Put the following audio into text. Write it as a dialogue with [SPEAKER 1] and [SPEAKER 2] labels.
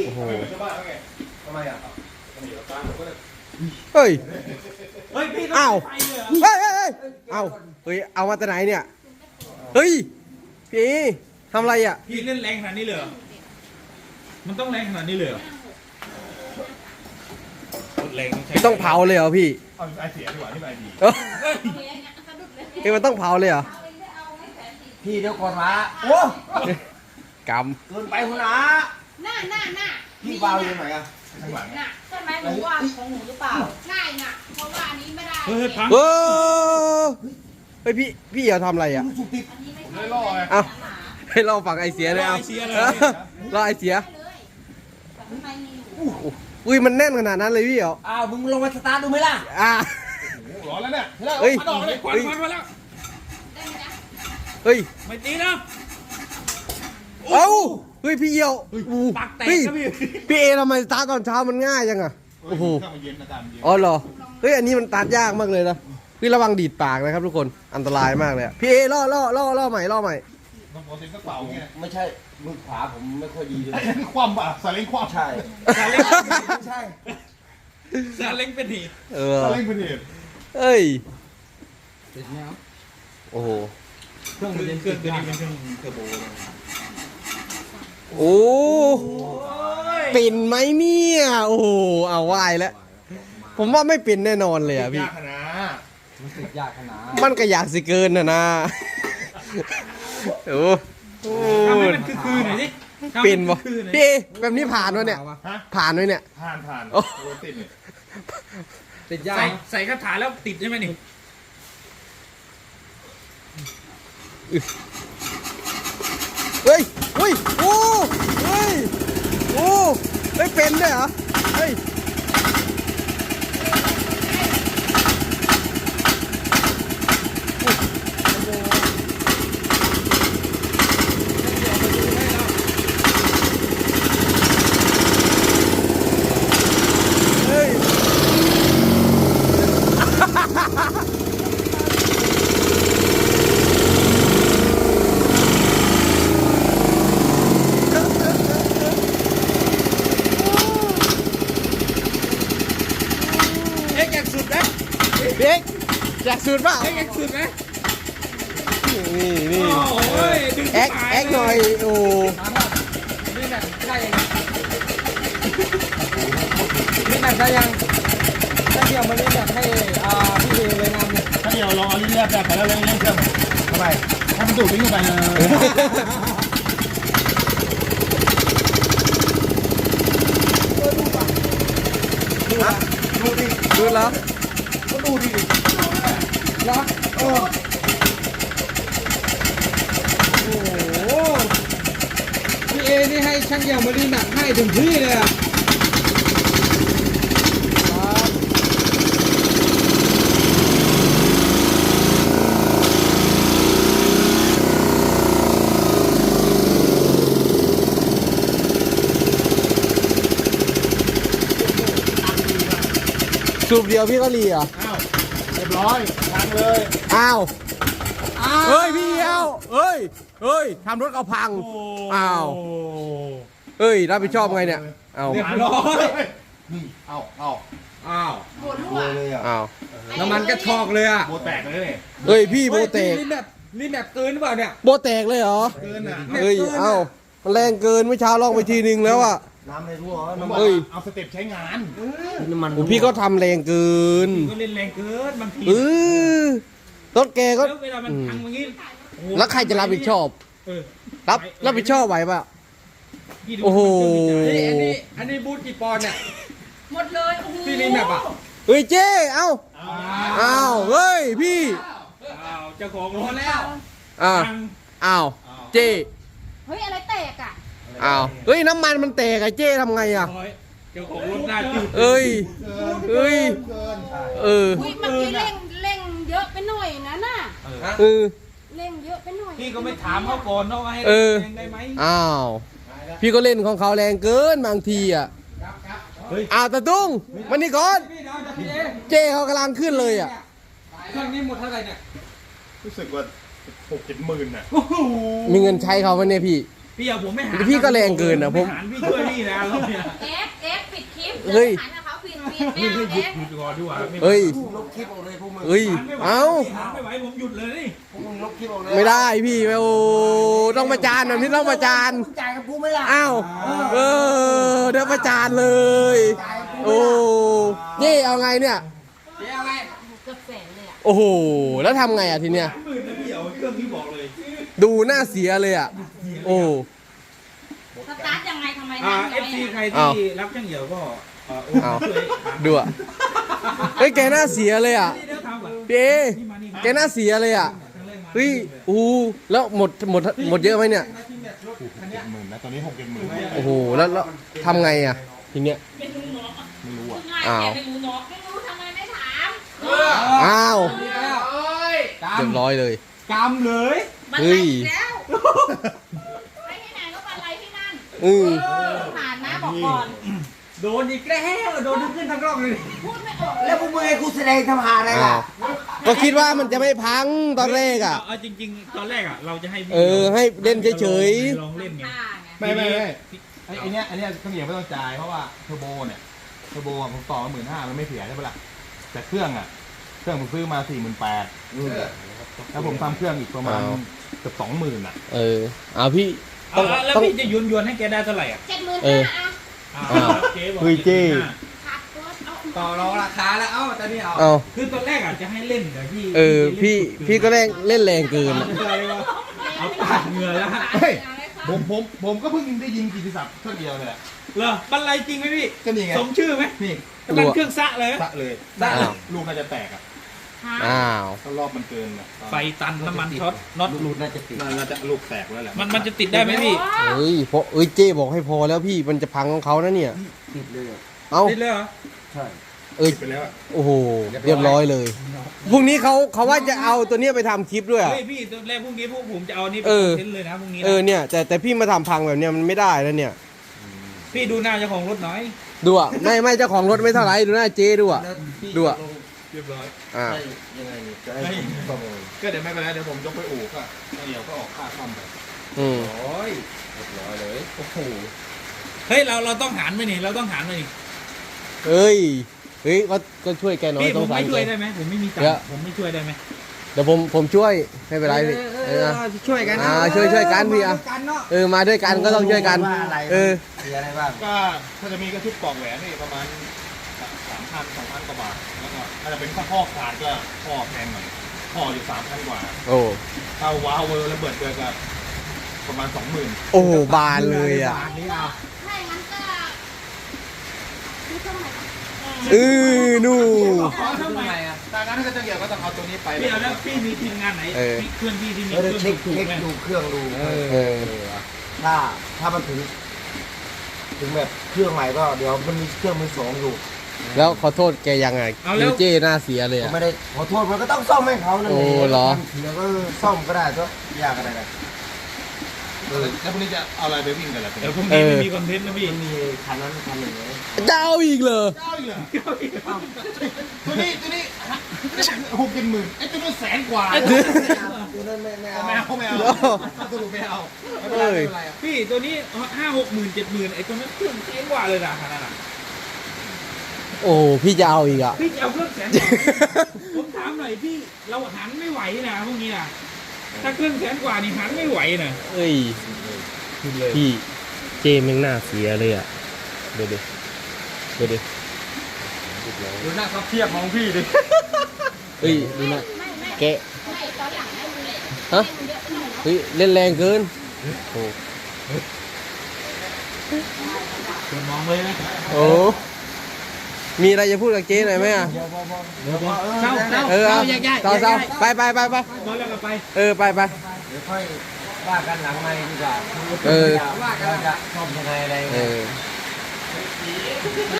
[SPEAKER 1] โอ้โห
[SPEAKER 2] ชาวบ้านเขาไงทำไมอ่ะ
[SPEAKER 1] เฮ้ย
[SPEAKER 3] เฮ้ยพี่
[SPEAKER 1] อ้าว
[SPEAKER 3] ไปเลยเหรอ
[SPEAKER 1] เฮ้ยเอาเฮ้ยเอามาแต่ไหนเนี่ยเฮ้ยพี่ทำอะไรอ่ะ
[SPEAKER 3] พี่เล่นแรงขนาดนี้เลยเหรอมันต้องแรงขนาดนี้เลยเหรอแรงใช้
[SPEAKER 1] ต้องเผาเลยเหรอพี่
[SPEAKER 2] เอาไอเสียดีกว่าที่ไอดี
[SPEAKER 1] เฮ้ยมันต้องเผาเลยเหรอ
[SPEAKER 4] พี่เดี๋ยวก่อนมาโอ้
[SPEAKER 1] ก
[SPEAKER 4] เกินไปคุณอา
[SPEAKER 5] หน้า
[SPEAKER 4] พี่วาวอยู่ไหนอะ
[SPEAKER 2] ข้างหลัง
[SPEAKER 5] น่ะใช่ไหมหนูว่าของหนูหรือเปล่าง่ายน่ะเพราะว่าอันนี้ไม่ได้
[SPEAKER 3] เฮ้ยพัง
[SPEAKER 1] ำเฮ้ยพี่อย่าทำอะไรอ่ะ
[SPEAKER 4] สุกติด
[SPEAKER 5] อันนี้ไม่
[SPEAKER 2] ไม่
[SPEAKER 5] ใช่
[SPEAKER 2] ล่อไง
[SPEAKER 1] เอาให้เราฝั่งไอเสียเลยเอาเราไอเสีย
[SPEAKER 5] เลยแต่ข้างในมีอยู่
[SPEAKER 1] อุ้ยมันแน่นขนาดนั้นเลยพี่เหรอ
[SPEAKER 4] อ้าวมึงลงมาสตาร์ทดูไหมล่ะ
[SPEAKER 1] อ่ะ
[SPEAKER 2] โอ้โหร้อนแล้วเนี่ย
[SPEAKER 1] เฮ้ย
[SPEAKER 3] มาดอกเลยควันมาแล้ว
[SPEAKER 5] ได้ไหมจ๊ะ
[SPEAKER 1] เฮ้ย
[SPEAKER 3] ไม่ตีนะ
[SPEAKER 1] เอ้าเฮ้ยพี่เหี่ยวอู้
[SPEAKER 3] ปากแตก
[SPEAKER 1] พี่
[SPEAKER 3] ครับพี่
[SPEAKER 1] พี่เอทำไมสตาร์ทตอนเช้ามันง่ายจังอ่ะโอ้โห
[SPEAKER 2] ข้าวมันเย็นนะตามเย็น
[SPEAKER 1] อ๋อเหรอเฮ้ยอันนี้มันตัดยากมากเลยนะพี่ระวังดีดปากนะครับทุกคนอันตรายมากเลยอะพี่เอล่อใหม่
[SPEAKER 2] ต้องโปรตีนกระเป๋าไง
[SPEAKER 4] ไม่ใช่มือขวาผมไม่ค่อยดีเลย
[SPEAKER 2] คว่ำป่ะซาเล้งคว่ำ
[SPEAKER 4] ใช่
[SPEAKER 3] ซาเล้ง
[SPEAKER 4] ใช่
[SPEAKER 3] ซาเล้งเป็นเหตุ
[SPEAKER 1] เออ
[SPEAKER 2] ซาเล้งเป็นเหตุ
[SPEAKER 1] เอ้ย
[SPEAKER 4] ติดแล้ว
[SPEAKER 1] โอ้โห
[SPEAKER 3] เครื่องตัวนี้เป็นเครื่องเทอร์โบ
[SPEAKER 1] โอ้เป็นไหมเนี่ยโอ้โหเอาวายแล้วผมว่าไม่เป็นแน่นอนเลยอ่ะพี่
[SPEAKER 2] ยากขนาด
[SPEAKER 4] มันติดยากขนาด
[SPEAKER 1] มันก็อยากสิเกินนะโอ้โห
[SPEAKER 3] ทำให้มันคือหน่อยสิ
[SPEAKER 1] เป็นบ่พี่เอแบบนี้ผ่านวะเนี่ย
[SPEAKER 2] ฮะ
[SPEAKER 1] ผ่านไหมเนี่ย
[SPEAKER 2] ผ่าน
[SPEAKER 1] โอ้
[SPEAKER 2] โปรตีนเนี่ย
[SPEAKER 4] ติดยาก
[SPEAKER 3] ใส่คาถาแล้วติดใช่ไหมนี่
[SPEAKER 1] เฮ้ยโอ้เฮ้ยไม่เป็นด้วยเหรอเฮ้ยเฮ้ย
[SPEAKER 3] เอ็กซ์อยากสุดไหม
[SPEAKER 1] เด็กอยากสูตรเปล่า
[SPEAKER 3] เอ็กซ์อยากสุดไหม
[SPEAKER 1] นี่
[SPEAKER 3] โอ้ยดึง
[SPEAKER 1] แอคหน่อยโอ้
[SPEAKER 4] นี่แบบได้ยังนี่แบบได้ยังถ้าเดี๋ยวมาเล่นแบบให้พี่เอเลยนำเนี่ย
[SPEAKER 2] ถ้าเดี๋ยวลองเอาลิ้นแลบๆไปแล้วเล่นเครื่องทำไมให้มันดูดลิ้นเข้าไป
[SPEAKER 1] ดูแล้ว
[SPEAKER 4] แล้วโอ้โหพี่เอนี่ให้ช่างเดี่ยวมารีแมปให้ถึงที่เลยอ่ะ
[SPEAKER 1] สูบเดียวพี่ก็รีอ่ะ
[SPEAKER 2] อ้าวเรียบร้อยทางเลย
[SPEAKER 1] อ้าวเฮ้ยพี่เดียวเฮ้ยทำรถเอาพังอ้าวเฮ้ยรับผิดชอบไงเนี่ยเอา
[SPEAKER 3] เรียบร้อย
[SPEAKER 2] นี่เอา
[SPEAKER 3] อ้าว
[SPEAKER 5] ปวดรั่ว
[SPEAKER 4] เลยอ่ะ
[SPEAKER 1] อ้าว
[SPEAKER 4] น้ำมันก็ชอกเลยอ่ะ
[SPEAKER 2] โบแตกเลยเนี่ย
[SPEAKER 1] เฮ้ยพี่โบแตก
[SPEAKER 4] รีแมปเกินหรือเปล่าเนี่ย
[SPEAKER 1] โบแตกเลยเหรอ
[SPEAKER 2] เกินอ่ะ
[SPEAKER 1] เฮ้ยเอ้ามันแรงเกินเมื่อเช้าลองไปทีนึงแล้วอ่ะ
[SPEAKER 4] น้ำในรั่ว
[SPEAKER 2] มัน
[SPEAKER 4] น้ำ
[SPEAKER 2] บอก
[SPEAKER 1] เฮ้ย
[SPEAKER 2] เอาสเต็ปใช้งาน
[SPEAKER 4] มัน
[SPEAKER 1] โอ้พี่ก็ทำแรงเกิน
[SPEAKER 3] ก็เล่นแรงเกินบางที
[SPEAKER 1] เออรถแกก็
[SPEAKER 3] แล้วเวลามันพังอย่างนี้
[SPEAKER 1] แล้วใครจะรับผิดชอบ
[SPEAKER 3] เออ
[SPEAKER 1] รับผิดชอบไหวป่ะ
[SPEAKER 3] พี่ดู
[SPEAKER 1] โอ้โห
[SPEAKER 4] อันนี้บูทกี่ปอนด์เนี่ย
[SPEAKER 5] หมดเลยโอ้โห
[SPEAKER 4] พี่รีแมปอ่ะ
[SPEAKER 1] เฮ้ยเจ้เอ้าเฮ้ยพี่
[SPEAKER 3] อ้าวเจ้าของรถแล้ว
[SPEAKER 1] อ้าว
[SPEAKER 3] พัง
[SPEAKER 1] อ้าวเจ้
[SPEAKER 5] เฮ้ยอะไรแตกอ่ะ
[SPEAKER 1] อ้าวเฮ้ยน้ำมันมันแตกไอ้เจ้ทำไงอ่ะ
[SPEAKER 3] ร้อยเจ้าของรถหน้าจืด
[SPEAKER 1] เอ้ยเอ้ย
[SPEAKER 2] เกิน
[SPEAKER 1] เออ
[SPEAKER 5] อุ้ยเมื่อกี้เร่งเยอะไปหน่อยนะน่ะ
[SPEAKER 1] เออ
[SPEAKER 5] เร่งเยอะไปหน่อย
[SPEAKER 3] พี่ก็ไม่ถามเขาก่อนเนาะว่าให้
[SPEAKER 1] เออ
[SPEAKER 3] แรงได้ไหม
[SPEAKER 1] อ้าวพี่ก็เล่นของเขาแรงเกินบางทีอ่ะอ้าวตาตุ้งมานี่ก่อน
[SPEAKER 4] พี่เดี๋ยวจะพี่เอ
[SPEAKER 1] เจ้เขากำลังขึ้นเลยอ่ะ
[SPEAKER 4] เครื่องนี้หมดเท่าไหร่เนี่ย
[SPEAKER 2] รู้สึกว่า6-7 หมื่นน่ะ
[SPEAKER 1] มีเงินใช้เขาไหมเนี่ยพี่
[SPEAKER 3] พพี่เอาผมไม่หา
[SPEAKER 1] พี่ก็แรงเกินนะผม
[SPEAKER 3] ไหารพี่ช่วยพี่นะเราเนี่ย
[SPEAKER 5] เอฟปิดคลิป
[SPEAKER 1] เฮ้ย
[SPEAKER 5] หันกับเขาปิดไม่
[SPEAKER 3] พี่
[SPEAKER 5] เอา
[SPEAKER 3] หยุ
[SPEAKER 5] เอ
[SPEAKER 3] ด
[SPEAKER 5] ฟ
[SPEAKER 3] หยุดก่อนดีกว่าไม่ไหว
[SPEAKER 1] เฮ้ย
[SPEAKER 2] ลบคลิปออกเลยพวกมึง
[SPEAKER 1] เฮ้ย
[SPEAKER 3] ไม่ไหว
[SPEAKER 1] เอ้า
[SPEAKER 3] หารไม่ไหวผมหยุดเลยนี่
[SPEAKER 2] พวกมึงลบคลิปออกเลย
[SPEAKER 1] ไม่ได้พี่โอ้ต้องประจานแบบนี้ต้องประจาน
[SPEAKER 2] จ่ายกับกูไม่ล่ะ
[SPEAKER 1] อ้าวเดี๋ยวประจานเลยโอ้นี่เอาไงเนี่ย
[SPEAKER 5] เกือบแสนเลยอ่ะ
[SPEAKER 1] โอ้โหแล้วทำไงอ่ะทีเนี้ย
[SPEAKER 3] หมื่นนะพี่เอาเครื่องนี้บอกเลย
[SPEAKER 1] ดูหน้าเสียเลยอ่ะโอ้
[SPEAKER 5] สตาร์ทยังไงทำไม
[SPEAKER 3] เอ
[SPEAKER 5] นั่ง
[SPEAKER 3] ฟ
[SPEAKER 5] ไว้
[SPEAKER 3] ซี
[SPEAKER 5] อะ
[SPEAKER 3] ใคร
[SPEAKER 1] อ้าว
[SPEAKER 3] ที่รับช่างเหี่ยวก็โอ้
[SPEAKER 1] อ้าว
[SPEAKER 3] ช่วยหา
[SPEAKER 1] ดูอ่ะเฮ้ยแกหน้าเสียเลยอ่ะ
[SPEAKER 3] เดี๋ยวทำก่อน
[SPEAKER 1] พี่เอแกหน้าเสียเลยอ่ะเฮ้ยอู้แล้วหมดเยอะไหมเนี่ย
[SPEAKER 2] หมื่นนะตอนนี้60,000
[SPEAKER 1] โอ้โหแล้วทำไงอ่ะทีเนี้ย
[SPEAKER 5] ไม่รู้เนาะ
[SPEAKER 2] ไม่รู้อ่ะ
[SPEAKER 5] ง่าย
[SPEAKER 1] อ้าว
[SPEAKER 5] แกไม่รู้เนาะไม่รู้ทำไมไม่ถาม
[SPEAKER 1] อ้าว
[SPEAKER 4] นี่แล้ว
[SPEAKER 1] เรียบร้อยเลย
[SPEAKER 4] กำเลย
[SPEAKER 5] บัน
[SPEAKER 1] เฮ้
[SPEAKER 5] ไล
[SPEAKER 1] ย
[SPEAKER 5] อีกแล้วไปที่ไหนก็บันไลที่นั่น
[SPEAKER 1] อือ
[SPEAKER 5] ผ่านนะบอกก่อน
[SPEAKER 4] โดนอีกแล้วโดนทั้งขึ้นทั้งร่องเลย
[SPEAKER 5] พูดไม่ออก
[SPEAKER 2] แล้วพวกมึงให้กูแสดงทำหาอะไร
[SPEAKER 1] อ้า
[SPEAKER 2] ล่ะ
[SPEAKER 1] วก็คิดว่ามันจะไม่พังตอนแรกอ่ะ
[SPEAKER 3] เอาจริงๆตอนแรกอ่ะเราจะให้พี่
[SPEAKER 1] ให้เล่นเฉย
[SPEAKER 3] ลองเล่นไง
[SPEAKER 5] ตาไง
[SPEAKER 2] ไม่ไอ้เนี้ยต้องเหยียบไม่ต้องจ่ายเพราะว่าเทอร์โบเนี่ยเทอร์โบอะผมต่อมา15,000มันไม่เสียใช่ปะล่ะแต่เครื่องผมซื้อมา48,000แล้วผมทำเครื่องอีกประมาณเกือบ20,000อ่ะ
[SPEAKER 1] เอาพี่
[SPEAKER 3] เอาแล้วพี่จะยวนให้แกได้เท่าไหร่อ่ะ
[SPEAKER 5] 75,000อ่ะ
[SPEAKER 3] เจ๊บอก
[SPEAKER 1] เฮ้ยเจ๊
[SPEAKER 5] ขาดตัวเอา
[SPEAKER 4] ต่อรองราคาแล้วเอ้าตอนนี้เอา
[SPEAKER 1] เอา
[SPEAKER 3] คือตอนแรกอ่ะจะให้เล่นแต่พี่
[SPEAKER 1] พี่ก็เล่นแรงเกินอะ
[SPEAKER 3] เอาปาดเหงื่อแล้วฮะ
[SPEAKER 2] เฮ้ยผมก็เพิ่งได้ยินกิตติศัพท์เครื่องเดียวเลยแหละ
[SPEAKER 3] เหรอบันไลจริงไหมพี่
[SPEAKER 2] ก็นี่ไง
[SPEAKER 3] สมชื่อไหม
[SPEAKER 2] นี่
[SPEAKER 3] เป็นเครื่องซะเลยไหม
[SPEAKER 2] สะเลย
[SPEAKER 1] อ้าว
[SPEAKER 2] ลูกน่าจะแตกอ่ะ
[SPEAKER 1] อ้าว
[SPEAKER 2] ถ้ารอบมันเกินอ่ะ
[SPEAKER 3] ไฟตันน้ำมันช็อตน็อตหลุด
[SPEAKER 2] น่าจะลูกแตกแล้วแหละ
[SPEAKER 3] มันจะติดได้ไหมพี่
[SPEAKER 1] เฮ้ยพอเจ้บอกให้พอแล้วพี่มันจะพังของเขานะเนี่ย
[SPEAKER 2] ติดเลยอะ
[SPEAKER 1] เอา
[SPEAKER 3] ติดเลยเหรอ
[SPEAKER 2] ใช่
[SPEAKER 1] ติด
[SPEAKER 2] ไปแล้วอะ
[SPEAKER 1] โอ้โหเรียบร้อยเลยพรุ่งนี้เขาว่าจะเอาตัวเนี้ยไปทำคลิปด้วยอะ
[SPEAKER 3] เฮ้ยพี่ตอนแรกพรุ่งนี้พวกผมจะเอานี่ไป
[SPEAKER 1] เออ
[SPEAKER 3] เซ็นเลยนะพรุ่งนี้นะ
[SPEAKER 1] เนี่ยแต่พี่มาทำพังแบบเนี้ยมันไม่ได้แล้วเนี่ย
[SPEAKER 3] พี่ดูหน้าเจ้าของรถหน่อย
[SPEAKER 1] ดูอ่ะไม่เจ้าของรถไม่เท่าไหร่ดูหน้าเจ๊ดูอ่ะ ดูอะ
[SPEAKER 3] เรียบร้อย
[SPEAKER 1] อ่า
[SPEAKER 2] ได้ยังไงนี่จะให้ประเมินก็เดี๋ยวไม่เป็นไรเดี๋ยวผมยกไปอู่ก็เดี๋ยวก็ออกค่าซ่อมไป
[SPEAKER 1] อืม
[SPEAKER 2] โอ้ยเรียบร้อยเลยโอ้โห
[SPEAKER 3] เฮ้ยเราต้องหารไหมนี่เราต้องหารไหมนี่
[SPEAKER 1] เฮ้ยก็ช่วยแกหน่อย
[SPEAKER 3] พี่
[SPEAKER 1] ต้
[SPEAKER 3] ผ
[SPEAKER 1] อง
[SPEAKER 3] ม
[SPEAKER 1] สาร
[SPEAKER 3] ไม่
[SPEAKER 1] แก
[SPEAKER 3] ช่วยได้ไหมผมไม่มีตัง
[SPEAKER 1] เดี๋ยว
[SPEAKER 3] ค์ผมไม่ช่วยได้ไหม
[SPEAKER 1] เดี๋ยวผมช่วยไม่เป็นไรพี่นะ
[SPEAKER 4] ช่วยกันนะ
[SPEAKER 1] ช่วยกันพี่อ่ะ
[SPEAKER 4] กันเนาะ
[SPEAKER 1] มาด้วยกันก็ต้องช่วยกัน
[SPEAKER 2] ว่าอะไร มีอะไรบ้างก็ถ้าจะมีก็ชุดปลอกแหวนนี่ประมาณ3,000 2,000 กว่าบาทแล้วก็ถ้าจะเป็นข้อขาดก็ข้อแพงหน่อยข้ออยู่3,000 กว่า
[SPEAKER 1] โอ้
[SPEAKER 2] ถ้าวาล์วเวอร์ระเบิดเกิดกับประมาณ 20,000
[SPEAKER 1] โอ้โหบานเลยอ่ะ
[SPEAKER 4] บาทนี้เอา
[SPEAKER 5] ถ้าอย่างนั้นก็ซื้อเครื่องใหม่ก่อน
[SPEAKER 1] นู่
[SPEAKER 3] ขอทำไม
[SPEAKER 4] อ่ะ
[SPEAKER 2] ดังนั้นถ้าจะเกี่ยวก็ต้องเอาตัวนี้ไป
[SPEAKER 3] พี่เอาแล้วพี่มีทีมงานไหนพี่เพื่อนพี่ที่มีเครื่องถูกไหม
[SPEAKER 2] ดูเครื่องดู ถ้ามันถึงแบบเครื่องใหม่ก็เดี๋ยวมันมีเครื่องมือสองอยู่
[SPEAKER 1] แล้วขอโทษแกยังไงดูเจ้หน้าเสียเลย
[SPEAKER 2] ผม
[SPEAKER 1] อ่ะ
[SPEAKER 2] ไม่ได้ขอโทษมันก็ต้องซ่อมให้เขานั่นเอง
[SPEAKER 1] โอ้เหรอ
[SPEAKER 2] เดี๋ยวก็ซ่อมก็ได้ก็ยากอะไรกันแล้วพรุ่งนี้จะเอาอะไรไปวิ่งกันล่ะ
[SPEAKER 3] เดี๋ยวพรุ่งนี้ไม่มีคอนเทนต์นะพี่
[SPEAKER 2] มันมีคันนั้นคันหนึ่งเลย
[SPEAKER 1] จะเอาอีกเหรอ
[SPEAKER 2] เอาอีกเหรอตัวนี้60,000ไอ้ตัวนี้100,000 กว่าตัวนั้นไม่เอาไม่เอาสรุปไม่เอาไม่เป็นไรไม่เป็นไร
[SPEAKER 3] พี่ตัวนี้5-6 หมื่น7 หมื่นไอ้ตัวนั้นเครื่องเจ๊งกว่าเลยนะขนาดนั้น
[SPEAKER 1] โอ้พี่จะเอาอีกอ่ะ
[SPEAKER 3] พี่จะเอาเครื่องแสนผมถามหน่อยพี่เราหันไม่ไหวนะพวกนี้นะถ้าเครื่องแสนกว่านี่หันไม่ไหวนะ
[SPEAKER 1] เอ้ยพี่เจแม่งหน้าเสียเลยอ่ะดูดิ
[SPEAKER 4] ดูหน้าเขาเทียบมองพี่ดิ
[SPEAKER 1] เฮ้ยดูนะ
[SPEAKER 5] ไม่
[SPEAKER 1] แกะ
[SPEAKER 5] ไม่ตอนหลังให้ดูเลย
[SPEAKER 1] ฮะ
[SPEAKER 5] ให้ดูเยอะไปหน่อยนะ
[SPEAKER 1] เฮ้ยเล่นแรงเกินโอ้
[SPEAKER 3] ชวนมองเลยนะ
[SPEAKER 1] โอ้มีอะไรจะพูดกับเจ๊หน่อยไหมอ่ะ
[SPEAKER 3] เศร้า
[SPEAKER 1] เอา
[SPEAKER 3] แยกย้าย
[SPEAKER 1] เศร้าไป
[SPEAKER 3] พอแล้วก็ไป
[SPEAKER 1] ไป
[SPEAKER 2] เดี๋ยวค่อยว่ากันหลังไมค์ดีกว่า
[SPEAKER 1] เออ
[SPEAKER 2] ว่ากันจะซ่อมยังไงอะไร
[SPEAKER 1] เออ